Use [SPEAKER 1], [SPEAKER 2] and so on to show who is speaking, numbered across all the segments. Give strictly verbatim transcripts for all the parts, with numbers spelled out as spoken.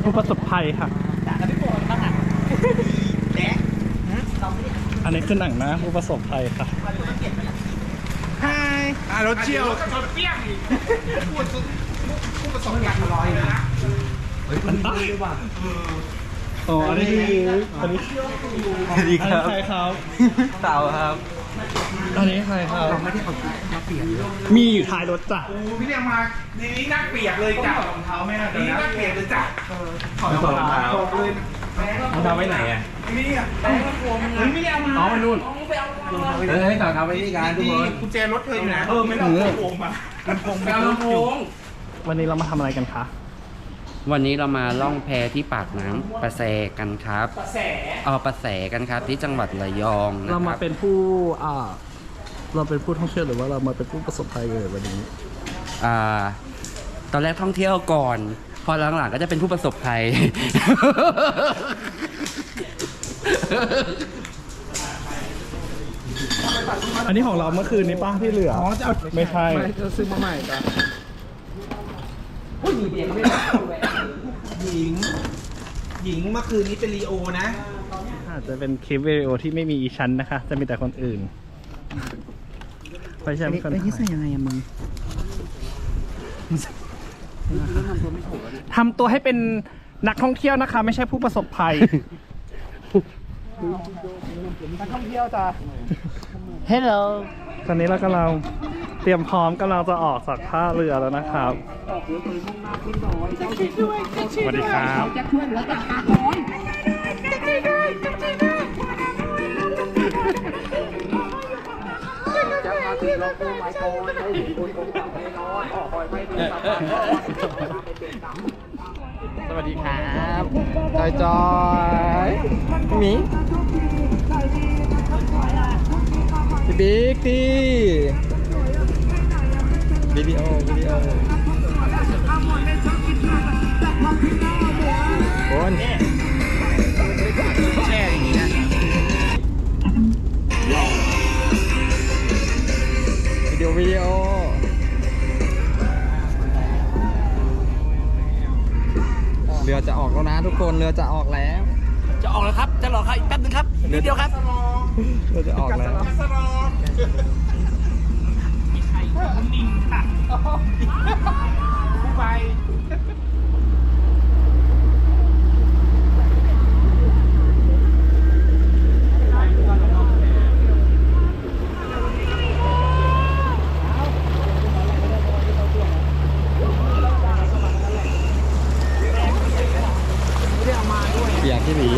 [SPEAKER 1] ผู้ประสบภัยค่ะอันนี้คือหนังนะผู้ประสบภัยค่ะ
[SPEAKER 2] ฮายอ่ะรถเชี่ยวชนเปี้ยงอีกพูดผู้ประสบการณ์ลอยนะเฮ้ยมันตายว่ะ
[SPEAKER 1] อ๋ออันนี้อันนี้
[SPEAKER 3] สวัสดีครับ
[SPEAKER 1] ใครครับ
[SPEAKER 3] เต่าครับ
[SPEAKER 1] อันนี้ใครครับเราไม่ได้เอามาเปลี่ยนมีอยู่ท้ายรถจ้ะ
[SPEAKER 2] พี่เรียกมาทีนี้นั่งเปียกเลยจ้ะรองเท้าแม่ทีนี้นั่งเปียกเลยจ้ะถอดรองเท้าเลยรองเท้าไว้ไหนอ่ะนี่อ่ะแม่ก็กลัวมึงเลยไม่ได้เอามา
[SPEAKER 3] น้องไปนู่นเฮ้ยต่อเท้าไปที่การทุกคน
[SPEAKER 2] กุญแจรถเธออยู่ไหนเออไม่ต้องลำโพงมาลำโพงลำโพง
[SPEAKER 1] วันนี้เรามาทำอะไรกันคะ
[SPEAKER 3] วันนี้เรามาล่องแพที่ปากน้ำประแสกันครับ
[SPEAKER 2] ประแส
[SPEAKER 3] เออประแสกันครับที่จังหวัดระยองนะครับ
[SPEAKER 1] เรามาเป็นผู้อ่าเราเป็นผู้ท่องเที่ยวหรือว่าเรามาเป็นผู้ประสบภัยเลยวันนี้
[SPEAKER 3] อ่าตอนแรกท่องเที่ยวก่อนพอหลังๆก็จะเป็นผู้ประสบภัย
[SPEAKER 1] อันนี้ของเราเมื่อคืนนี้ป้าที่เหลืออ๋อจะไม่ใช่
[SPEAKER 2] จะซื้อมาใหม่จ้ะผู้หญิงเบียร์ไม่ได้หญิงหญิงเมื่อคืนนี้เป็นลีโอนะ
[SPEAKER 1] อาจจะเป็นคลิปวิดีโอที่ไม่มีอีชั้นนะคะจะมีแต่คนอื่นไปใช่ไหมคนที่ใส่ยังไงอะมึงทำตัวให้เป็นนักท่องเที่ยวนะคะไม่ใช่ผู้ประสบภัย
[SPEAKER 2] นักท่องเที่ยวจ้ะ
[SPEAKER 1] Hello ตอนนี้เรากำลังเตรียมพร้อมกำลังจะออกจากท่าเรือแล้วนะครับสวัสดีครับจะช่วยเหลือจากปากน้อยจะช่วยด้วยจะช่วยด้วยจะมาถึงเราตัวไม้โกนได้เห็นคนคงทำให้ร้อนออกคอยไม่ดี
[SPEAKER 3] สวัสดีครับจอยจอยหมีพี่บิ๊กตีวิดีโอวิดีโอคนแช่อย่างนี้นะวิดีโอวิดีโอเรือจะออกแล้วนะทุกคนเรือจะออกแล้ว
[SPEAKER 2] จะออกแล้วครับจะรอครับอีกแป๊บนึงครับนิดเดียวครับ
[SPEAKER 3] เรือจะออกแล้ว
[SPEAKER 2] นิ่งค่ะผู้ไป
[SPEAKER 3] เปียกที่หนี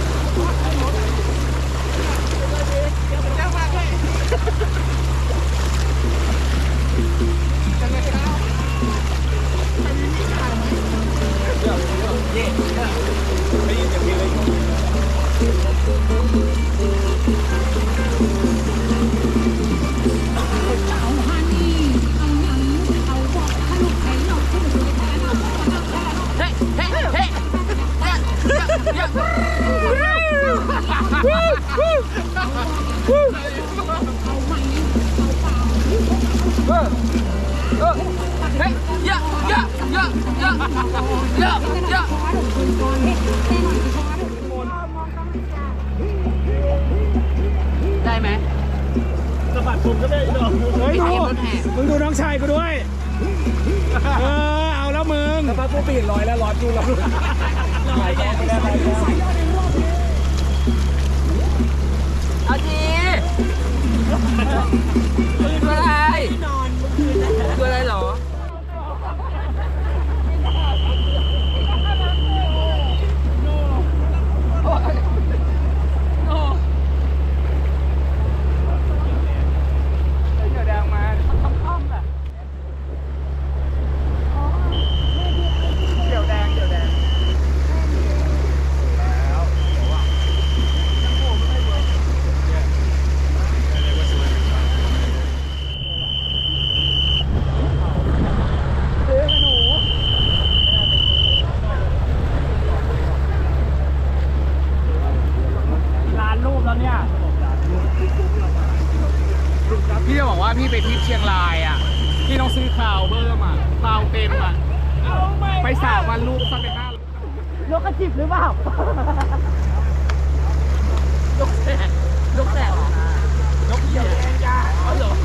[SPEAKER 3] ได้ไหม
[SPEAKER 1] สะบัดผมก็ได้ดอกเฮ้ยดูมึงดูน้องชายกูด้วยเออเอาแล้วมึงสะบัดกูปีนลอยแล้วร้อนดูแล้วลอยแก้ไม่ได้เลย
[SPEAKER 3] เอาจีคืออะไรคืออะไรหรอ
[SPEAKER 2] พี่จะบอกว่าพี่ไปทริปเชียงรายอ่ะพี่ต้องซื้อข่าวเบอร์มาข่าวเต็มอ่ะไปสามวันลูกสักไปห้า
[SPEAKER 1] นกกระจิบหรือเปล่า
[SPEAKER 3] นกแสกนกแสก
[SPEAKER 1] นกเหยี่ยวแดงจ้าอ๋อเหรอ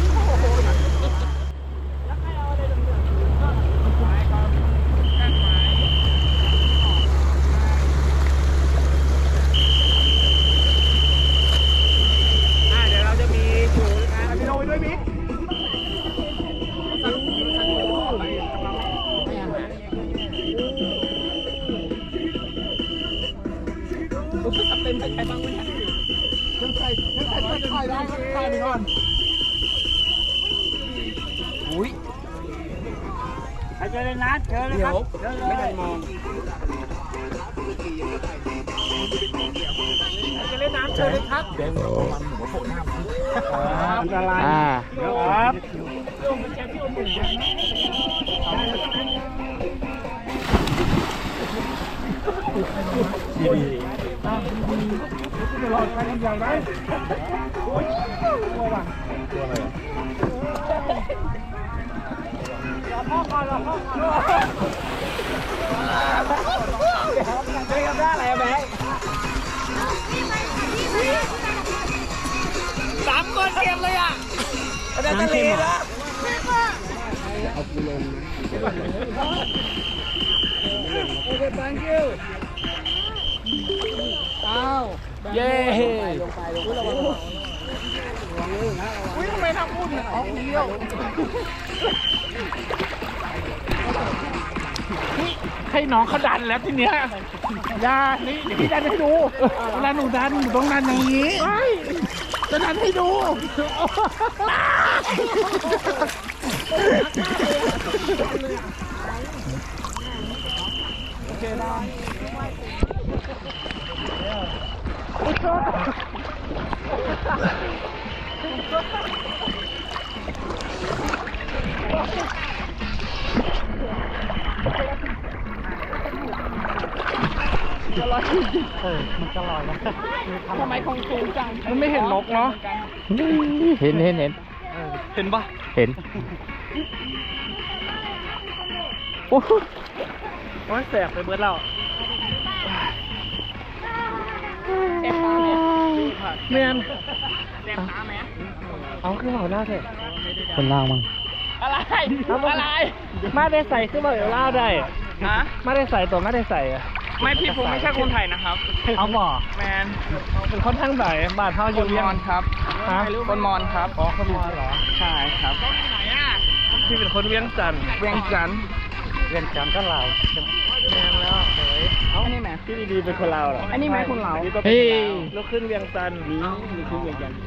[SPEAKER 1] เดี๋ยวเราจะมีถูนะพี่โน้ยด้วยมิกเป็นใครบ้างวะเนี่ยยังใครยังใครทักทายได้ทักทายไปก่อนอุ้ยใครเจอเลยนะเจอเลยครับเดี๋ยวไม่ได้มองใครจะเล่นน้ำเจอเลยครับเดี๋ยวมันหัวโผล่หน้าอันตรายครับโยมเป็นแค่ที่อมหนึ่งดีๆรอดไปกันอย่างไรโอ้ยตัวว่ะตัวอะไรอ่ะรอพ่อก่อนรอพ่อก่อนเฮ้ยทำได้อะไรอะแม่สามคนเก็บเลยอ่ะอาจารย์ทะเลนะเอาปูลงโอเค thank you เต้าเย้ลงไปลงไปลงไปอุ้ยทำไมทำพูดออกเดียวให้น้องเขาดันแล้วทีเนี้ยยานี่เดี๋ยวพี่ดันให้ดูเวลาหนูดันหนูต้องดันอย่างนี้จะดันให้ดูโอเคได้จะลอยเออมันจะลอยนะทำไมคงสูงจังมันไม่เห็นนกเนาะเห็นเห็นเห็นเห็นปะเห็นโอ้ยแสบไปเบิดแล้วเจ็บตาเนี่ยเมียนเจ็บตาไหมเอาขึ้นหัวหน้าเถอะคนล่างมั้งอะไรอะไรมาได้ใส่ขึ้นมาเดี๋ยวเล่าได้ฮะมาได้ใส่ตัวมาได้ใส่อะไม่พี่ผมไม่ใช่คนไทยนะครับเอาบ่แมนเป็นคนทั้งไหนบาทเท่าอยู่เวียงครับฮะคนมอญครับอ๋อคนมอญเหรอใช่ครับไหนอ่ะพี่เป็นคนเวียงจันทร์เวียงจันทร์เวียงจันทร์ก็ลาวแมนแล้วเฮ้ยเอาอันนี้ไหมพี่ดีๆเป็นคนลาวเหรออันนี้ไหมคนลาวเฮ้ยเราขึ้นเวียงจันทร์นี่ขึ้นเวียงจันทร์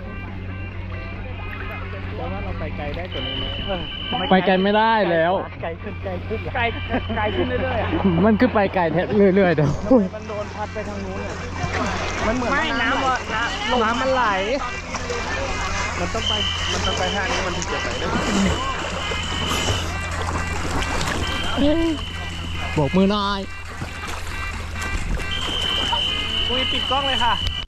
[SPEAKER 1] แต่ว่าเราไปไกลได้กว่านี้ไหมไปไกลไม่ได้แล้วไกลขึ้นไกลขึ้นไกลไกลขึ้นเรื่อยๆมันขึ้นไปไกลแทบเรื่อยๆเดี๋ยวมันโดนพัดไปทางนู้นเนี่ยมันเหมือนไม่น้ำว่าน้ำมันไหลมันต้องไปมันต้องไปทางนี้มันถึงจะไปได้โบกมือหน่อยอุ้ยปิดกล้องเลยค่ะ